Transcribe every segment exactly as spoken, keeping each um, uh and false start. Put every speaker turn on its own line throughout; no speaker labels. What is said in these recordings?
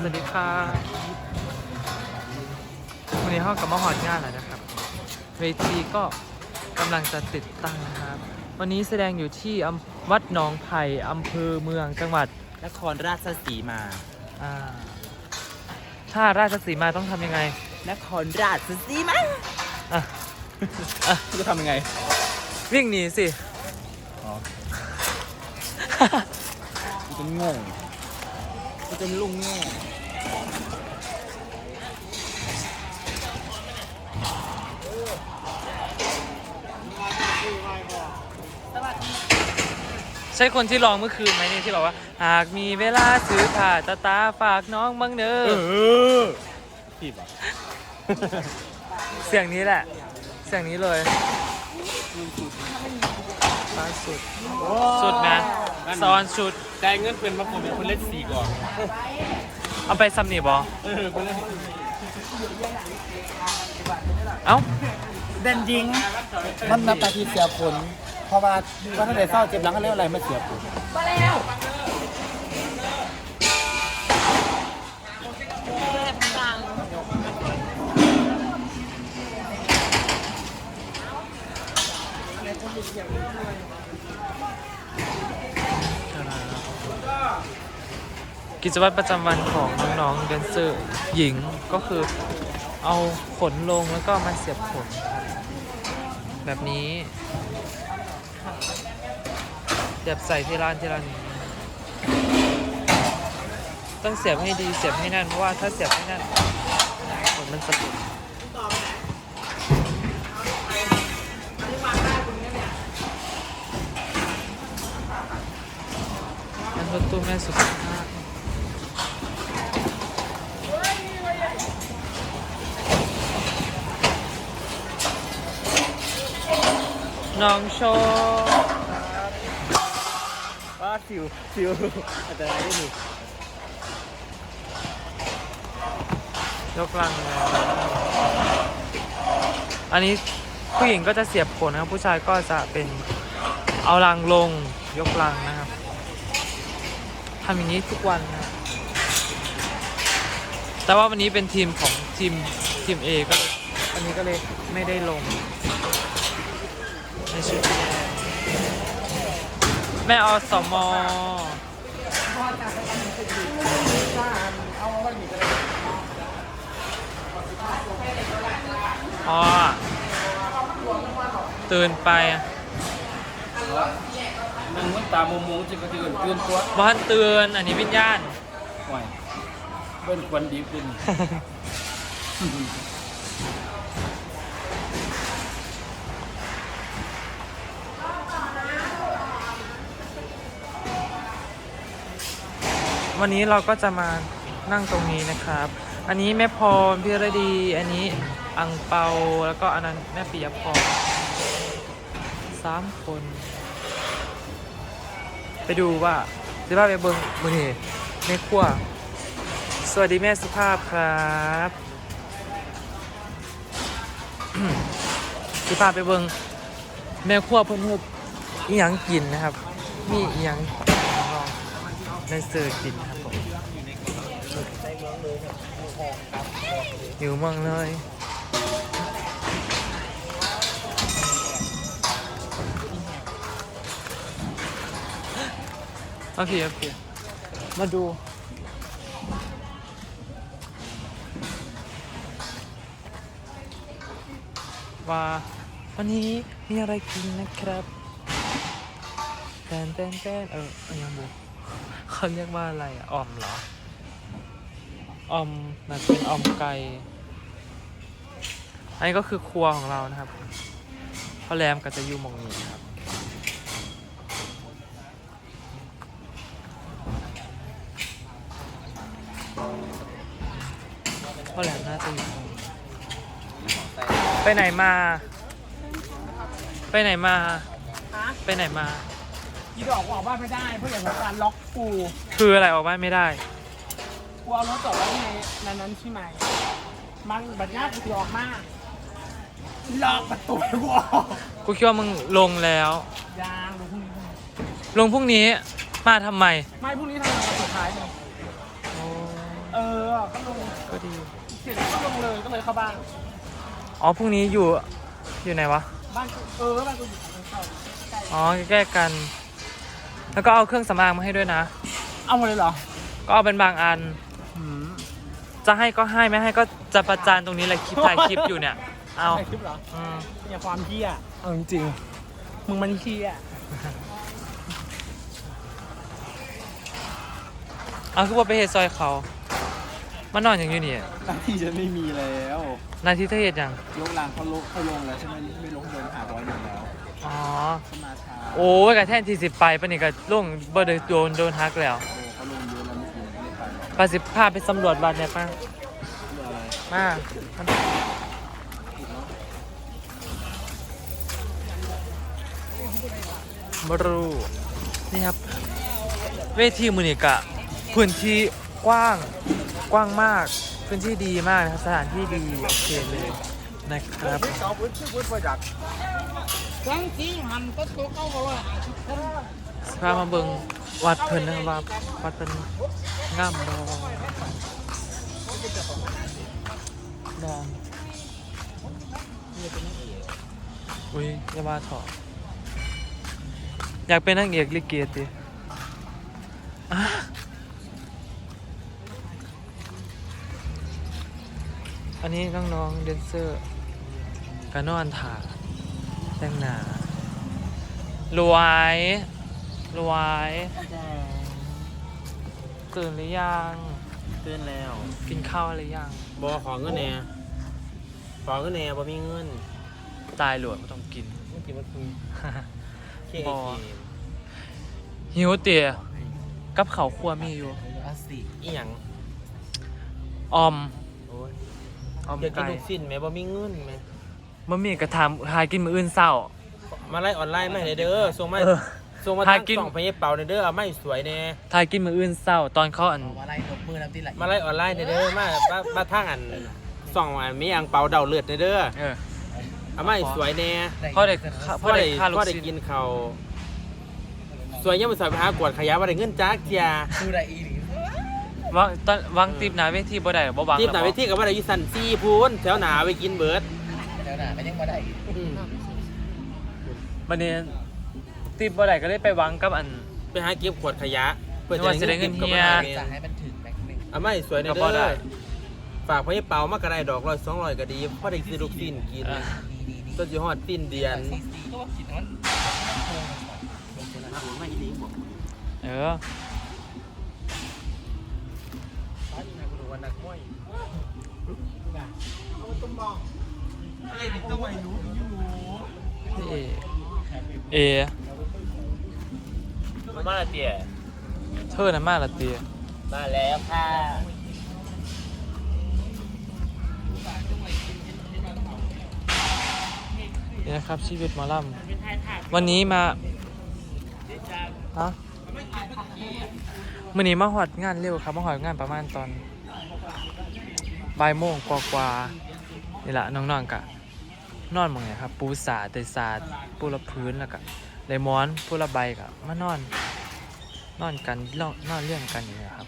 วัสดีค่ะวันนี้ห้องกับมาหอดงานแล้วนะครับเวทีก็กำลังจะติดตั้งนะครับวันนี้แสดงอยู่ที่วัดหนองไผ่อำเภอเมืองจังหวัด
นครราชสีมา
อ่าถ้าราชสีมาต้องทำยังไง
นครราชสีมา
อ่ะอ่ะ
จะทำยังไง
วิ่งหนีสิ
อ๋อกูจะงงกูจะลุงแง่
ใช่คนที่ร้องเมื่อคืนไหมนี่ที่บอกว่าหากมีเวลาซื้อผ่าตาตาฝากน้องบ้างเนอะ
ผิดอ่ะ
เสียงนี้แหละเสียงนี้เลยล่าสุดสุดนะซอนสุด
ได้เงินเป็นมาผมเป็นคนเล่นสี่ก่อน
เอาไปซัมนี่บอ
เออคนเล่น
เอ้า
เด่นยิงมันนับตาทีเสียผลเพราะว่าวันนั้นเศร้าเจ็บหลังก็เรียกอะไรไม่เสียผลมาแล้ว
กิจวัตรประจำวันของน้องๆแดนเซอร์หญิงก็คือเอาขนลงแล้วก็มาเสียบขนแบบนี้เสียบใส่ที่ร้านที่ร้านนี้ต้องเสียบให้ดีเสียบให้แน่นเพราะว่าถ้าเสียบไม่แน่นขนมันจะติดอันรถตู้แม่สุดน้องโชว์
ว่าสิวสิวอันตรายนี่
ยกลังเลยอันนี้ผู้หญิงก็จะเสียบขนนะครับผู้ชายก็จะเป็นเอาลังลงยกลังนะครับทำอย่างนี้ทุกวันนะแต่ว่าวันนี้เป็นทีมของทีมทีม A ก็เลยวันนี้ก็เลยไม่ได้ลงในชุดแม่อสมอ๋อตื่นไป
นั่งมันตามมุมๆจะกระเทือนตื่นตัว
บ้านเตือนอันนี้วิญญาณ
ไหวเบิ้ลควันดีขึ้น
วันนี้เราก็จะมานั่งตรงนี้นะครับอันนี้แม่พรพี่ระดีอันนี้อังเปาแล้วก็อันนั้นแม่ปิยพรสามคนไปดูว่าจะว่าไปเบิ้งมือนี่แม่ครัวสวัสดีแม่สุภาพครับสุภาพไปเบิ้งแม่ครัวเพิ่นเฮ็ดอีหยังกินนะครับมีอีหยังในเสิร์ฟกินครับผมอยู่เมืองเลยโอเคโอเคมาดูว่าวันนี้มีอะไรกินนะครับแตนแตนแตนเออยังบุเขาเรียกว่าอะไรอ่ะออมเหรอออมน่าจะเป็นออมไก่อันนี้ก็คือครัวของเรานะครับพ่อแรมก็จะอยู่มองนี้ครับพ่อแรมน่าจะอยู่ไปไหนมาไปไหนมาไปไหนมา
ยีดอกออกบ้านไม่ได้เพราะอย่างการล็อกกู
คืออะไรออกบ้านไม่ได้
กูเอารถจอดไว้ในนั้นนั้นใช่ไหมมันบัดนี้กูออกมาล็อกประตูกูออก
กูคิดว่ามึงลงแล้ว
ยางลงพรุ่งนี้
ลงพรุ่งนี้มาทำไม
ไม่พรุ่งนี้ทำงานสุดท้ายเลยเออก็ลง
ก็ดี
เสร็จแล้วก็ลงเลยก็เลยเข้าบ้าน
อ๋อพรุ่งนี้อยู่อยู่ไหนวะ
บ้านกูเออบ้านกูอยู่ทางเข้าใกล้
อ๋อใกล้ๆกัน แล้วก็เอาเครื่องสำอางมาให้ด้วยนะ
เอาหมดเลยเหรอ
ก็เอาเป็นบางอัน
อืม
จะให้ก็ให้ไม่ให้ก็จะประจานตรงนี้เลยคลิปถ่ายคลิปอยู่เนี่ย เอา
ในคลิปเหรอ
อืม
อย่าความเที่ยเอาจริงๆมึงมันเที่ย
เอาคือว่าไปเฮดซอยเขามานอนอย่างอยู่นี่
หน้าที่จะไม่มีแล้ว
นาทีเธอเห็ดอย่าง
ลงรางเขาลงเขาลงแล้วใช่ไหมไม่ลงเดินหาร้อยหนึ่งแล้ว
อ๋อ
เขามาช้า
โอ้ยกับแท่นที่สิบไปปะนี่ก็ล่วงเบอร์โดนโดนฮักแล้ว
โอ้เขาลงเยอะแล้วเมื่อกี้ไม่ได้ไปหรอก
ปาสิบพาไปสำรวจบ้านเนี่ยป้า
เรื่องอะไร
มาบรูนี่ครับ เวทีมือนี่กะพื้นที่กว้างกว้างมาก พื้นที่ดีมากนะครับสถานที่ดีโอเคเลยนะครับ
สองพื้นที่พื้นประหยัด
ครั้งที่หันก็ตัวเข้ามาว่า
สภาพมาเบิงวัดเพิ่นนะครับว่าวัดเป็นงามบอดอนอุ้ยอย่าว่าเถอะอยากเป็นนางเอกลิเกติอ่ะอันนี้น้องๆเดนเซอร์กานอนถ่าแต่งหน้ารวยรวยตื่นหรือยัง
ตื่นแล้ว
กินข้าวหรือยัง
บอขอเงินแหน่ขอเงินแหน่บอมีเงิน
ตายหลวดไม่ต้องกิน
เมื่อกี้มันคือเค
บ่
เอ
หิวเตี๋ยกับเขาวครัวมีอยู่
อาสิ
อีหยัง
ออม
โอ้ย
ออม
อยากกิน
ไก่
ลูกสิ้นไหมบอมีเงินไหม
บะหมี่กระทำหากินมื้ออื่นเศร้า
มาไล่ออนไลน์ไหมาให้เด้อส่งมา
เออ
ส่งมา
หา
ทาง
กิน
สองพยเป่าเด้อเอาไม่สวยแน่
ทายกินมื้ออื่นเศร้า ตอนเขาอัน
มาไล่นกมือน้ำที่ไหล
มาไล่ออนไลน์เด้อมามามาทางอันส่องอันมีอังเปาเดาเลือดเด้อ
เออ
เอาไม่สวยแน่
พ่อได้ข้าพ่อได้ค่าลู
พ่อก ได้
ชิ้น
กินเขาวสวยยังไม่สวยไปหากวดขยะว่าได้เงินจ้าเจีย
ดูได้อีหลี
วางตอนวางตีบหนาเวทีบ่ได้บ่วาง
ทีมหนา
แล้ว
ไป
บ่
ที่กับว่าได้อยุสันซีพูนแถวหนาไปกินเบิร์ด
แล้วน่ะก็ยังมาได้
อืม
บัดนี้ตีบบ่ได้ก็เลยไปวางกับอัน
ไปหาเก็บขวดขยะเพื่อ
นึกว่าจะได้เงินเฮีย
จะให้มันถึงแม็กนึง
เอาไม่สวยใน
ก็
เด้
พอได้
อฝากพี่เปามากระไรดอกร้อยสองร้อยก็ดีเพราะได้ซื้อลูกสิ้นกิน
เออ
ต้นจีฮอดสิ้นเดือน
ก็ว่ากินมัน
เออ เอ เอ
มาละเตี๋ย
เธอน่ะมากละเตีย
มาแล้วค่ะ
นี่นะครับชีวิตหมอลำวันนี้มาฮะมื่อนี้มาหอดงานเร็วครับมาหอดงานประมาณตอนบ่ายโมงกว่าๆนี่แหละน้องๆกะนอนหมองไงครับ ปูสาเตยสาดปูละพื้นแล้วก็ไดมอนปูละใบกะมานอน นอนกันนอนนอนเรื่องกันอย่างเงี้ยครับ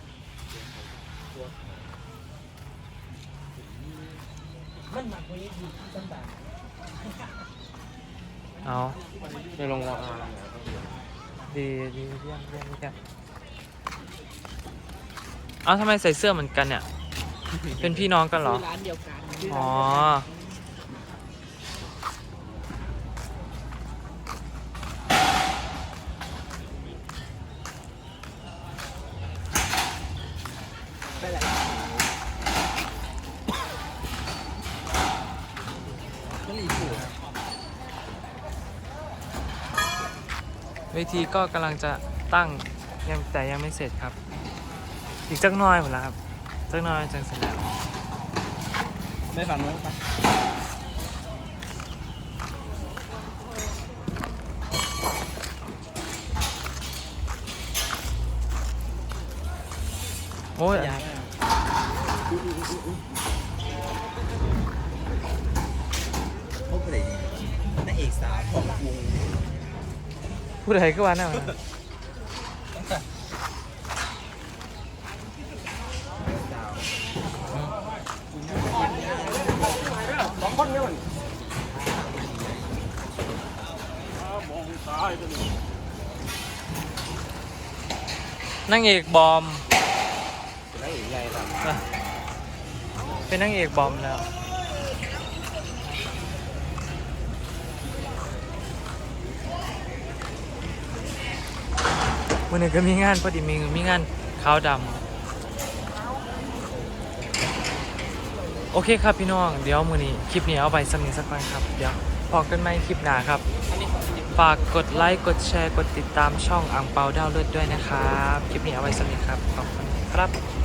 เอา
ไปลงราคา
ดีดีเยี่ยมเยี่ยมเยี่ยมเอาทำไมใส่เสื้อเหมือนกันเนี่ย เป็นพี่น้องกันเหรอ
ร้านเดียวกัน
อ๋อ เวทีก็กำลังจะตั้งยังแต่ยังไม่เสร็จครับ อีกจักหน้อยหมดแล้วครับจักหน้อยจังเสร็จแล้ว
ได้ฝั่งนู้นปะ
โอ้ย
พวกอะไรนางเอกสาวของวง
พูดอะไรก็ว่าน่ามันนางเอกบอม
ได้อีกไงครับ
อ่ะเป็นนางเอกบอมแล้ววันนี้ก็มีงานพอดีมีมีงานขาวดำโอเคครับพี่น้องเดี๋ยวมือนี้คลิปนี้เอาไปสำเนียงสักวันครับเดี๋ยวพอกันไหมคลิปหน้าครับฝากกดไลค์กดแชร์กดติดตามช่องอังเปาดาวเลือดด้วยนะครับคลิปนี้เอาไว้สำเนียงครับขอบคุณครับ